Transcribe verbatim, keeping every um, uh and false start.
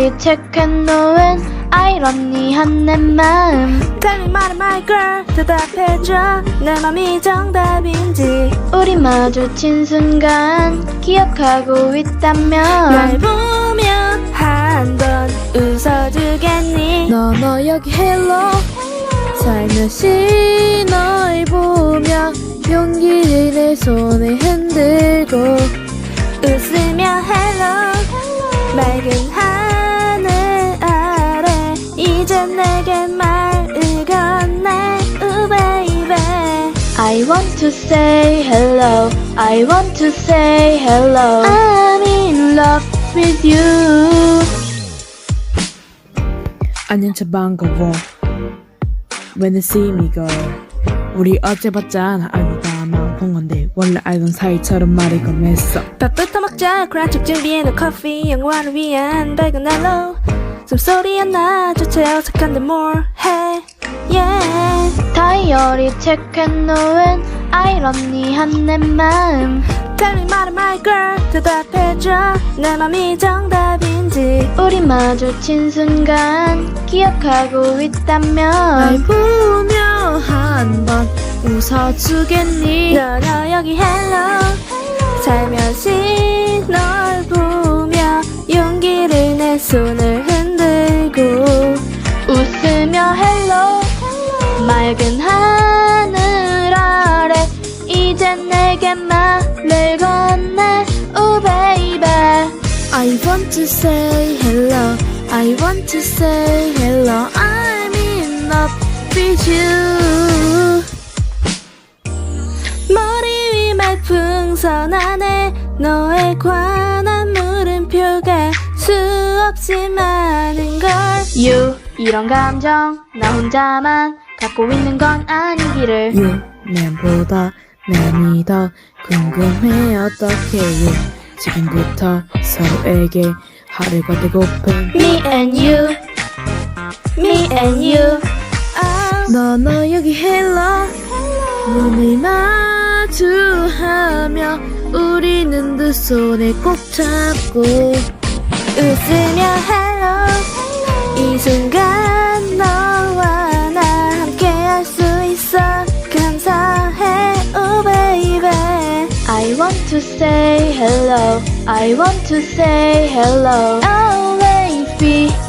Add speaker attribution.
Speaker 1: 다이어리 체크해놓은 아이러니한 내 마음.
Speaker 2: Tell me my my girl 대답해줘 내 맘이 정답인지.
Speaker 1: 우리 마주친 순간 기억하고 있다면
Speaker 2: 날 보면 한 번 웃어주겠니.
Speaker 3: 너 너 여기 hello 살며시 널 보며 용기를 내 손에 흔들고
Speaker 2: 웃으며 hello 맑은 하늘 아래 이제 내게 말을 건네 우 baby.
Speaker 1: I want to say hello, I want to say hello. I'm in love with you.
Speaker 3: 안녕 차 반가워 When you see me girl 우리 어제 봤잖아 알고 다만 본 건데 원래 알던 사이처럼 말이 건넸어.
Speaker 2: 밥부터 먹자 크런치 준비해놓은 커피 영화를 위한 밝은 날로 숨소리 하나조차 어색한데 뭘 해 yeah.
Speaker 1: 다이어리 체크해놓은 아이러니한 내 마음.
Speaker 2: Tell me my my girl 대답해줘 내 맘이 정답인지.
Speaker 1: 우리 마주친 순간 기억하고
Speaker 3: 날
Speaker 1: 있다면
Speaker 3: 보며 한 번 웃어주겠니.
Speaker 2: 너 너 여기 hello 살며시 널 보며 용기를 내 손을 흔들고
Speaker 1: 웃으며 hello 맑은 하늘 아래 이제 내게 말을 건네 우 baby.
Speaker 3: I want to say hello I want to say hello I'm in love with you.
Speaker 2: 머리 위 말풍선 안에 너에 관한 물음표가 수없이 많은 걸.
Speaker 1: You 이런 감정 나 혼자만 갖고 있는 건 아니기를.
Speaker 3: You 내보다 남이 더 궁금해 어떻게 you 지금부터 서로에게 하루가 되고픈
Speaker 1: Me and you, me and you.
Speaker 2: 아,
Speaker 3: 너 너 여기 hello 눈을 마주하며 우리는 두 손에 꼭 잡고
Speaker 2: 웃으며 hello 이 순간 너와 나 함께 할 수 있어 감사해 오 baby.
Speaker 1: I want to say hello, I want to say hello. Oh baby.